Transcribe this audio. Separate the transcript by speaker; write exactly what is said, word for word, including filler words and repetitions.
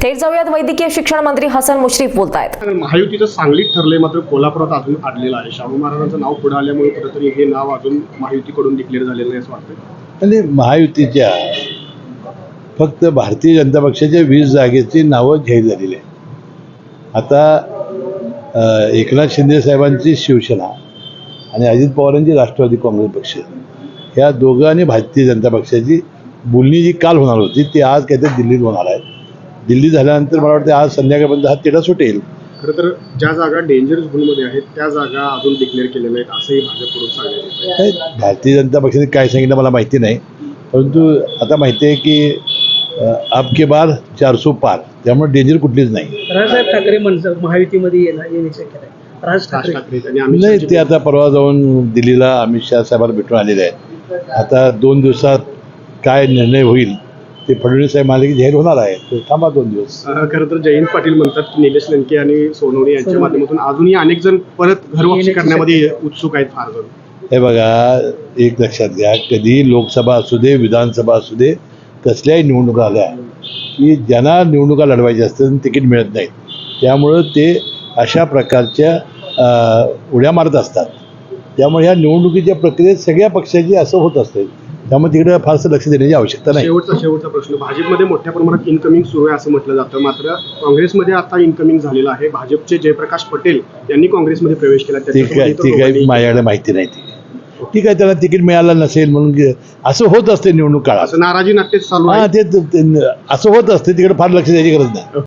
Speaker 1: थेट जाऊयात वैद्यकीय शिक्षण मंत्री हसन मुश्रीफ बोलतायत।
Speaker 2: महायुतीचं सांगलीत ठरलंय, मात्र कोल्हापुरात अजून अडलेलं आहे। शाहू महाराजांचं नाव पुढे आल्यामुळे कुठेतरी हे नाव अजून महायुतीकडून डिक्लेअर झालेलं नाही असं वाटतं।
Speaker 3: आणि महायुतीच्या फक्त भारतीय जनता पक्षाच्या वीस जागेची नावं जाहीर झालेली आहे। आता एकनाथ शिंदे साहेबांची शिवसेना आणि अजित पवारांची राष्ट्रवादी काँग्रेस पक्ष, ह्या दोघं आणि भारतीय जनता पक्षाची बोलणी जी काल होणार होती ती आज काहीतरी दिल्लीत होणार आहे। दिल्ली झाल्यानंतर मला वाटतं आज संध्याकाळपर्यंत हा तिढा सुटेल।
Speaker 2: खरं तर ज्या जागा डेंजर झोनमध्ये आहेत त्या जागा अजून डिक्लेअर केलेल्या नाहीत असंही भाजपकडून सांगण्यात येत आहे।
Speaker 3: भारतीय जनता पक्षाने काय सांगितलं मला माहिती नाही, परंतु आता माहिती आहे की आपके बार चारसो पार, त्यामुळे डेंजर कुठलीच नाही।
Speaker 4: राजसाहेब ठाकरे म्हणजे महायुतीमध्ये येणार ये विषय केलाय राज ठाकरे
Speaker 2: आणि अमित
Speaker 3: नाही,
Speaker 2: शहा
Speaker 3: ते आता परवा जाऊन दिल्लीला अमित शहा साहेबांना भेटून आलेले आहेत। आता दोन दिवसात काय निर्णय होईल ते फडणवीस साहेब म्हणाले की जाहीर होणार आहे, तर थांबा दोन दिवस।
Speaker 2: खरं तर जयंत पाटील म्हणतात की निलेश लंके आणि सोनवणे यांच्या माध्यमातून अजूनही अनेक जण परत घरवापसी करण्यामध्ये उत्सुक आहेत फार जण।
Speaker 3: हे बघा, एक लक्षात घ्या, कधी लोकसभा असू दे विधानसभा असू दे कसल्याही निवडणुका आल्या की ज्यांना निवडणुका लढवायच्या असतात तिकीट मिळत नाहीत, त्यामुळं ते अशा प्रकारच्या उड्या मारत असतात। त्यामुळे ह्या निवडणुकीच्या प्रक्रियेत सगळ्या पक्षाची असं होत असते, त्यामुळे तिकडे फारसं लक्ष देण्याची आवश्यकता नाही।
Speaker 2: शेवटचा शेवटचा प्रश्न, भाजपमध्ये मोठ्या प्रमाणात इनकमिंग सुरू आहे असं म्हटलं जातं, मात्र काँग्रेसमध्ये आता इनकमिंग झालेलं आहे। भाजपचे जयप्रकाश पटेल यांनी काँग्रेसमध्ये प्रवेश केला,
Speaker 3: ती काय ती काही माझ्याकडे माहिती नाही। ती ठीक आहे, त्याला तिकीट मिळालं नसेल म्हणून असं होत असते निवडणूक काळात,
Speaker 2: असं नाराजी नाट्य चालू
Speaker 3: हां
Speaker 2: आहे।
Speaker 3: ते असं होत असते, तिकडे फार लक्ष द्यायची गरज नाही।